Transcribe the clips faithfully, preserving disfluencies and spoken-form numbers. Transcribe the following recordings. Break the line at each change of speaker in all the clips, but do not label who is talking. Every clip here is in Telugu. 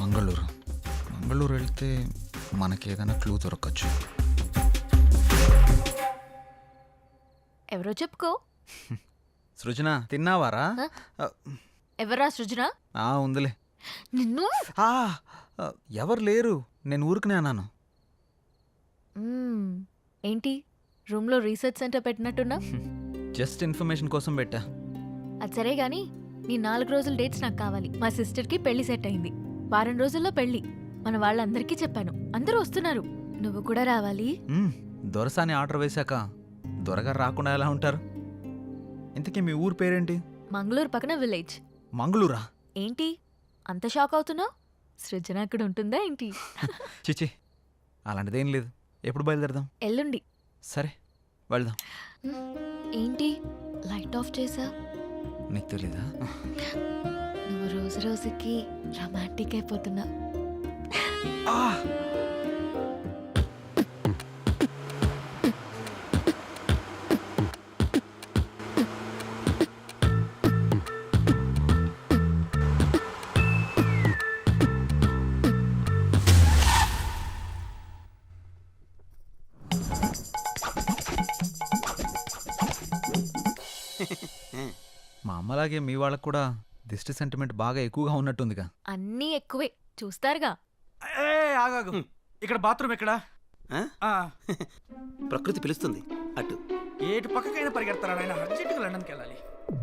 మంగళూరు మంగళూరు వెళ్తే మనకి ఏదైనా క్లూ దొరకచ్చు.
ఎవరో చెప్పుకో.
సృజన తిన్నావారా?
ఎవరా సృజన?
ఆ ఉందిలే.
నిన్ను
ఆ, ఎవరు లేరు, నేను ఊరికనే అన్నాను.
మ్మ్. ఏంటి రూమ్లో రీసెర్చ్ సెంటర్ పెట్టినట్టున్నా?
జస్ట్ ఇన్ఫర్మేషన్ కోసం పెట్టా.
అది సరే గాని నీ నాలుగు రోజుల డేట్స్ నాకు కావాలి. మా సిస్టర్కి పెళ్లి సెట్ అయింది. వారం రోజుల్లో పెళ్లి. మన వాళ్ళందరికీ చెప్పాను, అందరూ వస్తున్నారు. నువ్వు కూడా రావాలి.
మ్మ్, దొరసాని ఆర్డర్ వేశాక దొరగారు రాకుండా ఎలా ఉంటారు? ఇంతకీ మీ ఊరు పేరేంటి?
మంగళూరు పక్కన విలేజ్.
మంగళూరా?
ఏంటి అంత షాక్ అవుతున్నావు? సృజన అక్కడ ఉంటుందా ఏంటి?
చిచి, అలాంటిదేం లేదు. ఎప్పుడు బయలుదేరదాం?
ఎల్లుండి.
సరే వెళ్దాం.
ఏంటి లైట్ ఆఫ్ చేసా?
నీకు తెలీదా?
నువ్వు రోజు రోజుకి రొమాంటిక్ అయిపోతున్నా.
ఆ! మా అమ్మలాగే మీ వాళ్ళకు కూడా దిష్టి సెంటిమెంట్ బాగా ఎక్కువగా ఉన్నట్టుందిగా.
అన్నీ ఎక్కువే చూస్తారుగా.
ఏ ఆగాగు, ఇక్కడ బాత్రూమ్ ఎక్కడా?
ఆ? ప్రకృతి పిలుస్తుంది అటు.
ఏటు పక్కకైనా పరిగెడతారా నాయన? అర్జెంటుగా లండన్కి వెళ్ళాలి.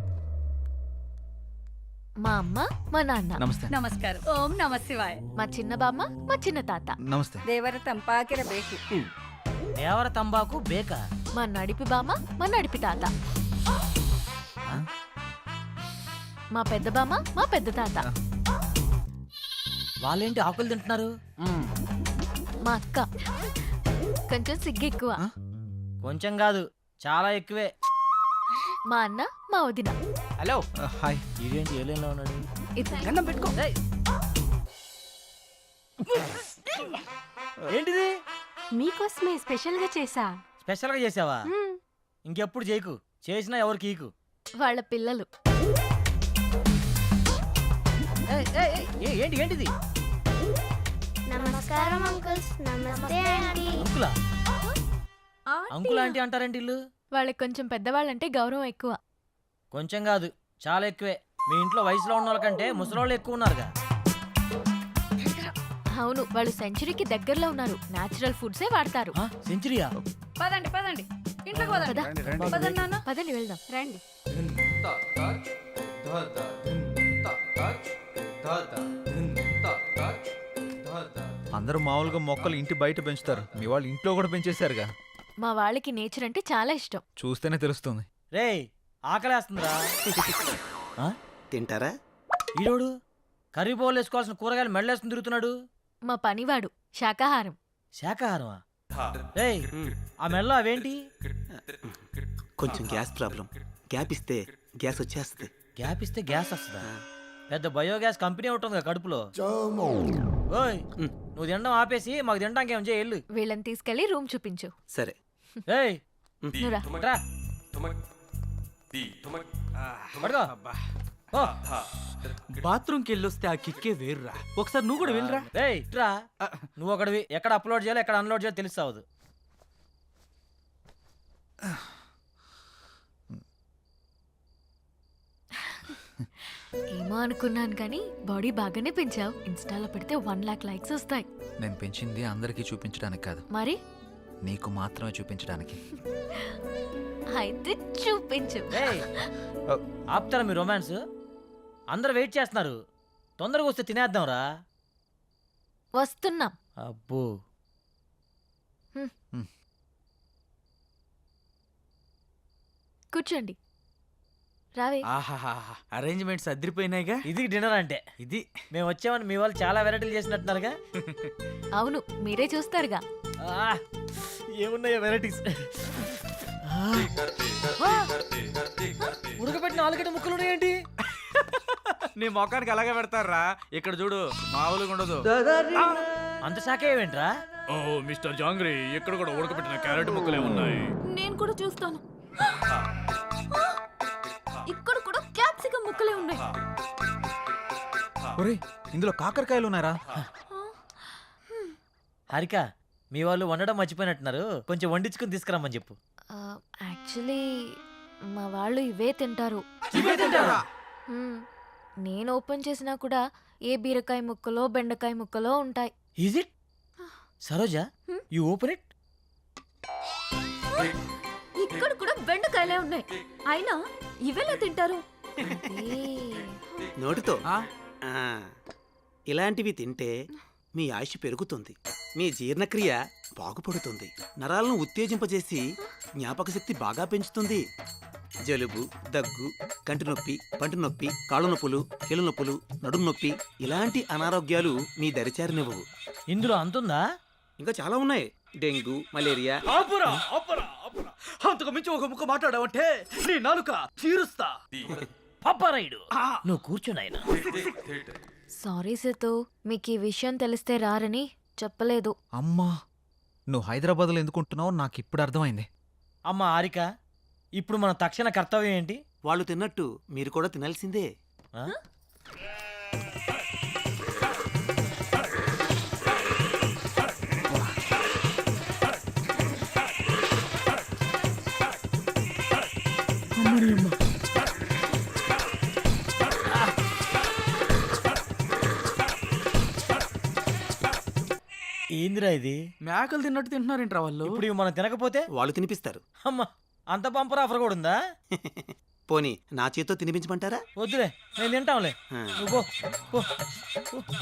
మా అమ్మ మా నాన్న.
నమస్తే.
ನಮಸ್ಕಾರ. ಓಂ ನಮ ಶಿವಾಯ.
మా చిన్న బామ్మ మా చిన్న తాత.
నమస్తే.
ದೇವರ ತಂಪಾಕಿರಬೇಕು.
దేవర తంబాకు బేక.
మా నడిపి బామ్మ మా నడిపి తాత. మా పెద్ద బామ్మ మా పెద్ద తాత.
వాళ్ళేంటి ఆకులు తింటున్నారు?
మా అక్క కొంచెం సిగ్గు ఎక్కువ.
కొంచెం కాదు చాలా ఎక్కువే.
మా అన్న మా వదిన.
Hello
hi.
ఇదేంటి ఏలేలో ఉన్నాడు?
ఇది
గన్నం పెట్టుకో.
ఏయ్. ఏంటిది?
మీకోసమే స్పెషల్ గా చేసా.
స్పెషల్ గా చేసావా? ఇంకెప్పుడు చేయకు, చేసినా ఎవరికి ఈకు.
వాళ్ళ పిల్లలు.
ఏయ్, ఏయ్, ఏయ్, ఏ- ఏంటి ఏంటిది?
నమస్కారం అంకుల్స్. నమస్తే ఆంటీ.
అంకులా? అంకుల్ ఆంటీ అంటారేంటి ఇల్లు?
వాళ్ళకి కొంచెం పెద్దవాళ్ళంటే గౌరవం ఎక్కువ.
కొంచెం కాదు చాలా ఎక్కువే. మీ ఇంట్లో వయసులో ఉన్న వాళ్ళకంటే ముసలోళ్ళు ఎక్కువ ఉన్నారుగా.
అవును, వాళ్ళు సెంచరీకి దగ్గరలో ఉన్నారు. నేచురల్ ఫుడ్సే వాడతారు.
ఆ, సెంచరీయా?
పదండి పదండి ఇంట్లోకి పదండి.
పద.
పదండి నాన్న.
పదండి వెళ్దాం.
రండి.
అందరూ మామూలుగా మొక్కలు ఇంటి బయట పెంచుతారు, మీ వాళ్ళు ఇంట్లో కూడా పెంచేశారుగా.
మా వాళ్ళకి నేచర్ అంటే చాలా ఇష్టం.
చూస్తేనే తెలుస్తుంది.
రేయ్ ఆకలేస్తుందిరా. ఆ?
తింటారా?
ఈడోడు కర్రీ బౌల్ వేసుకోవాల్సిన కూరగాయలు మెడలేసుకుని తిరుగుతున్నాడు.
మా పనివాడు శాకాహారం.
శాకాహారమా? రేయ్ ఆ మెడలో అవేంటి?
కొంచెం గ్యాస్ ప్రాబ్లం. గ్యాప్ ఇస్తే గ్యాస్ వచ్చేస్తుంది.
గ్యాప్ ఇస్తే గ్యాస్ వస్తుందా? పెద్ద బయోగ్యాస్ కంపెనీ ఉంటుంది కడుపులో. ఓయ్ నువ్వు తినడం ఆపేసి మాకు తినడానికి ఏం చేయాలి?
వీళ్ళని తీసుకెళ్లి రూమ్ చూపించు.
సరే.
ఏయ్
నువ్వురా.
రా. పడుకో. ఓ.
బాత్రూమ్కి వెళ్ళొస్తే ఆ కిక్కే వేరురా. ఒకసారి నువ్వు కూడా వెళ్ళరా.
రేయ్ ఇట్రా. నువ్వు ఒకటివి ఎక్కడ అప్లోడ్ చేయాలో ఎక్కడ అన్లోడ్ చేయాలో తెలుస్తావదు.
ఏమో అనుకున్నాను కానీ బాడీ బాగానే పెంచావు. ఇన్స్టాలో పెడితే వన్ లాక్ లైక్స్ వస్తాయి.
నేను పెంచింది అందరికీ చూపించడానికి కాదు,
మరి
నీకు మాత్రమే చూపించడానికి.
అయితే చూపించు.
రేయ్ ఆపుతారా మీ రొమాన్స్? అందరూ వెయిట్ చేస్తున్నారు, తొందరగా వస్తే తినేద్దాం రా.
వస్తున్నాం.
అబ్బో
కూర్చోండి. రావే.
ఆహాహా, అరేంజ్మెంట్స్ అదిరిపోయినాయిగా.
ఇది డిన్నర్ అంటే.
ఇది
మేము వచ్చామని మీ వాళ్ళు చాలా వెరైటీలు చేసినట్టున్నారుగా.
అవును, మీరే చూస్తారుగా.
ఆ, ఏమున్నాయో వెరైటీస్. ఉడకబెట్టిన ఆలుగడ్డ ముక్కలు ఉన్నాయేంటి?
నీ మొఖానికి అలాగే పెడతారా. ఇక్కడ చూడు, మామూలుగా ఉండదు.
అంత శాఖ ఏమేంట్రా?
ఓ మిస్టర్ జాంగ్రీ, ఇక్కడ కూడా ఉడకబెట్టిన క్యారెట్ ముక్కలే ఉన్నాయి.
నేను కూడా చూస్తాను. ఇక్కడ కూడా క్యాప్సికం ముక్కలే ఉన్నాయి.
ఒరేయ్ ఇందులో కాకరకాయలు ఉన్నారా?
హారిక మీ వాళ్ళు వండడం మర్చిపోయినట్టున్నారు, కొంచెం వండించుకుని తీసుకురమ్మని చెప్పు.
యాక్చువల్లీ మా వాళ్ళు ఇవే తింటారు.
ఇవే తింటారా?
మ్మ్. నేను ఓపెన్ చేసినా కూడా ఏ బీరకాయ ముక్కలో బెండకాయ ముక్కలో ఉంటాయి.
Is it Saroja, you open it.
ఇక్కడ కూడా బెండకాయలే ఉన్నాయి, అయినా ఇవేలా తింటారు?
నోటితో
ఆ?
ఆ, ఇలాంటివి తింటే మీ ఆయుష్ పెరుగుతుంది, మీ జీర్ణక్రియ బాగుపడుతుంది, నరాలను ఉత్తేజింపజేసి జ్ఞాపక శక్తి బాగా పెంచుతుంది. జలుబు, దగ్గు, కంటి నొప్పి, పంటి నొప్పి, కాళ్ళ నొప్పులు, కీళ్ళ నొప్పులు, నడుము నొప్పి ఇలాంటి అనారోగ్యాలు మీ దరిచారినివ్వవు.
ఇందులో అంతుందా?
ఇంకా చాలా ఉన్నాయి. Dengue, malaria.
ఆపురా ఆపురా ఆపురా అంతకు మించి ఒక ముక్క మాట్లాడావంటే నీ నాలుక చీరుస్తా.
పప్పరాయుడు నువ్వు కూర్చున్నాయన.
సారీ సేతు, మీకు ఈ విషయం తెలిస్తే రారని చెప్పలేదు.
అమ్మా, నువ్వు హైదరాబాద్లో ఎందుకుంటున్నావో నాకు ఇప్పుడు అర్థమైంది.
అమ్మ హారిక, ఇప్పుడు మన తక్షణ కర్తవ్యం ఏంటి?
వాళ్ళు తిన్నట్టు మీరు కూడా తినాల్సిందే.
ఆ? ఏందిరా ఇది?
మేకలు తిన్నట్టు తింటున్నారేంట్రా వాళ్ళు?
ఇప్పుడు ఇవి మనం తినకపోతే
వాళ్ళు తినిపిస్తారు.
అమ్మ, అంత బంపర్ ఆఫర్ కూడా ఉందా?
పోనీ నా చేత్తో తినిపించమంటారా?
వద్దులే, నేను తింటాంలే.
ఆ.
నువ్వు పో, పో, పో.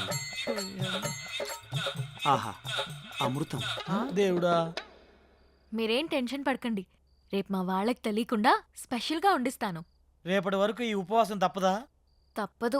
ఆహా, అమృతం.
దేవుడా.
మీరేం టెన్షన్ పడకండి, రేపు మా వాళ్ళకి తెలియకుండా స్పెషల్గా వండిస్తాను.
రేపటి వరకు ఈ ఉపవాసం తప్పదా?
తప్పదు.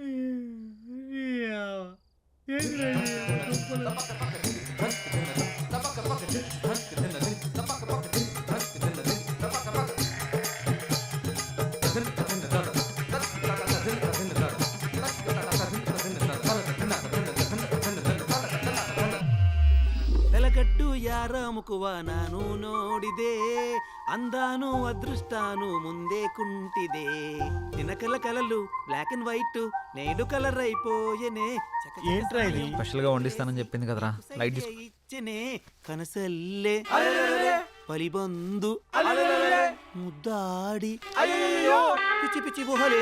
వెలగట్టు యారాముకువ నాను నోడిదే, అందాను అదృష్టాను ముందే కుంటిదే, తినకల కలలు బ్లాక్ అండ్ వైట్ నేడు కలర్ అయిపోయనే.
ఏంట్రా ఇది?
స్పెషల్గా వండిస్తానని చెప్పింది కదరా, లైట్ తీసుకో.
ఇచ్చనే కనసల్లే పలిబందు ముద్దాడి పిచ్చి పిచ్చి గుహలే.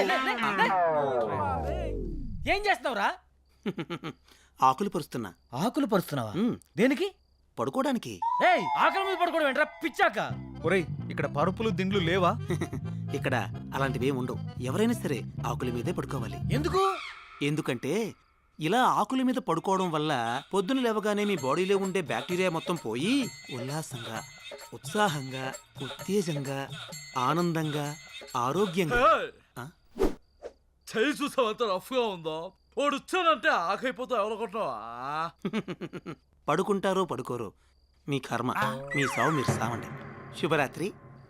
ఏం చేస్తున్నావురా?
ఆకులు పరుస్తున్నా.
ఆకులు పరుస్తున్నావా?
ఉమ్,
దేనికి?
పడుకోవడానికి.
ఏయ్, ఆకలి మీద పడుకోవడం ఏంట్రా పిచ్చాక?
ఒరేయ్ ఇక్కడ పరుపులు దిండ్లు లేవా?
ఇక్కడ అలాంటివి ఉండవు. ఎవరైనా సరే ఆకుల మీదే పడుకోవాలి.
ఎందుకు?
ఎందుకంటే ఇలా ఆకుల మీద పడుకోవడం వల్ల పొద్దున లేవగానే మీ బాడీలో ఉండే బ్యాక్టీరియా మొత్తం పోయి ఉల్లాసంగా, ఉత్సాహంగా, ఉత్తేజంగా, ఆనందంగా, ఆరోగ్యంగా. ఆ?
చేయి చూసావంత రఫ్గా ఉందో, వాడు వచ్చానంటే ఆకైపోతా ఎవరనుకుంటున్నావా?
పడుకుంటారో పడుకోరో మీ కర్మ, మీ సావు మీరు సావండి. శుభరాత్రి.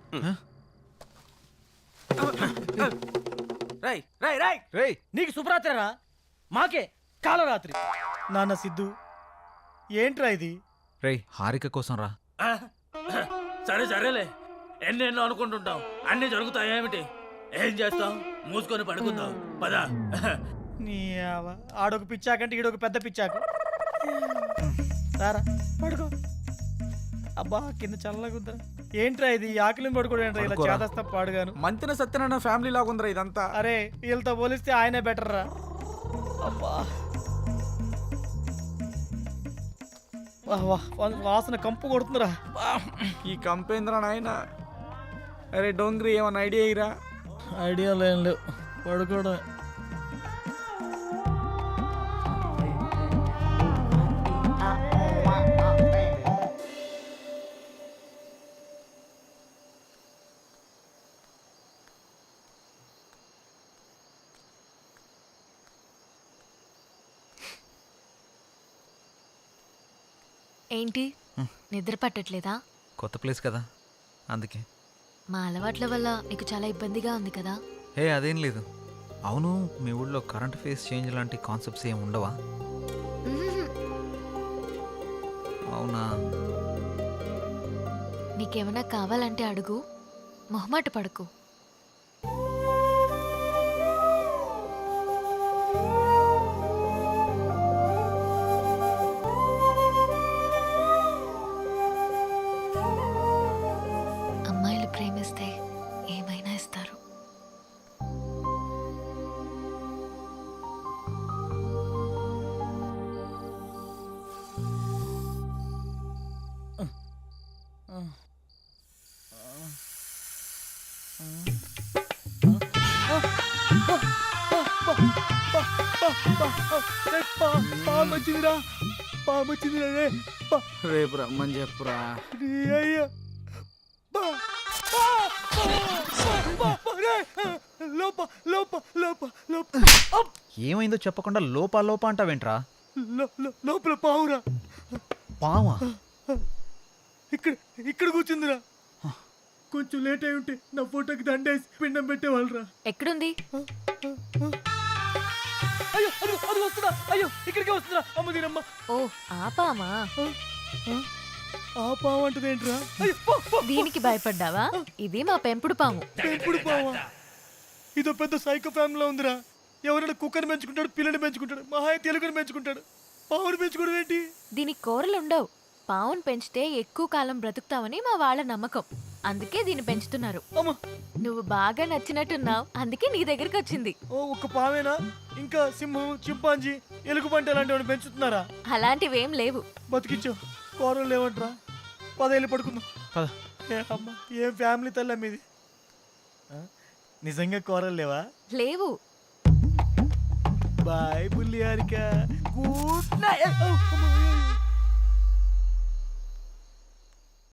రై రై రై
రేయ్
నీకు శుభరాత్రిరా, మాకే కాలరాత్రి. నాన్న సిద్ధు, ఏంట్రా ఇది?
రేయ్ హారిక కోసం రా.
సరే సరేలే, ఎన్నెన్నో అనుకుంటుంటాం, అన్ని జరుగుతాయి. ఏమిటి ఏం చేస్తాం? మూసుకొని పడుకుందాం పదా.
నీ ఆవ- ఆడొక పిచ్చాకంటే ఈడొక పెద్ద పిచ్చాకు. రారా పడుకో. అబ్బా కింద చల్లగా ఉందిరా. ఏంట్రా ఇది? ఈ ఆకలిని పడుకోవడం ఏంట్రా ఇలా
పడుకోరా.
చేదస్తా పాడుగాను.
మంతిన సత్యనారాయణ ఫ్యామిలీ లాగుందిరా ఇదంతా.
అరే వీళ్ళతో పోలిస్తే ఆయనే బెటర్ రా. అబ్బా వాహ్ వాహ్, వా- వాసన కంపు కొడుతుందిరా.
ఈ కంపేంద్ర నాయన. అరే డోంగ్రీ, ఏమన్నా ఐడియా ఇరా?
ఐడియా లేం లేవు, పడుకోవడం.
ఏంటి, నిద్ర పట్టట్లేదా?
కొత్త ప్లేస్ కదా అందుకే.
మా అలవాట్ల వల్ల నీకు చాలా ఇబ్బందిగా ఉంది కదా?
హే అదేం లేదు. అవును, మీ ఊళ్ళో కరెంట్ ఫేస్ చేంజ్ లాంటి కాన్సెప్ట్స్ ఏమి ఉండవా?
మ్మ్.
అవునా?
నీకేమైనా కావాలంటే అడుగు, మొహమాట పడకు.
రే, పా పాము వచ్చిందిరా పాము వచ్చిందిరా రే పా
రేపు రమ్మని చెప్పురా.
రే అయ్యా పా పా పా పా రే లోప లోప లోప లోప అప్!
ఏమైందో చెప్పకుండా లోపా లోపా అంటావేంట్రా?
లో- లో- లోపల పావురా
పావా?
ఇక్కడ ఇక్కడ కూర్చుందిరా కొంచెం లేట్ అయి ఉంటే నా ఫోటోకి దండేసి పిండం పెట్టేవాళ్ళరా
ఎక్కడుంది?
అయ్యో అది అది వస్తుందా అయ్యో ఇక్కడికే వస్తుందా అమ్మ దీనమ్మ
ఓ ఆపామా?
ఆ పావు అంటది ఏంట్రా అయ్యో పో, పో.
దీనికి భయపడ్డావా? ఇది మా పెంపుడు పాము.
పెంపుడు పావా ఇదో పెద్ద సైకో ఫ్యామిలీలో ఉందిరా ఎవరైనా కుక్కని పెంచుకుంటాడు పిల్లని పెంచుకుంటాడు మహాయ తెలుగుని పెంచుకుంటాడు పావుని పెంచుకోవడం ఏంటి
దీనికి కూరలు ఉండవు. పావును పెంచితే ఎక్కువ కాలం బ్రతుకుతావని మా వాళ్ళ నమ్మకం. అందుకే దీన్ని పెంచుతున్నారు.
అమ్మ
నువ్వు బాగా నచ్చినట్టున్నావు, అందుకే నీ దగ్గరికి వచ్చింది.
ఓ ఒక్క పావేనా ఇంకా సింహం చింపాంజీ ఎలుగుబంటి అలాంటి వాడిని పెంచుతున్నారా
అలాంటివేం లేవు.
బతికించో కూరలు లేవంటరా పదేళ్ళు పడుకుందాం
పద.
ఏ అమ్మ ఏం ఫ్యామిలీ తల్లి మీది ఆ? నిజంగా కూరలు లేవా
లేవు.
బాయ్ బుల్లి హారిక గుడ్ నైట్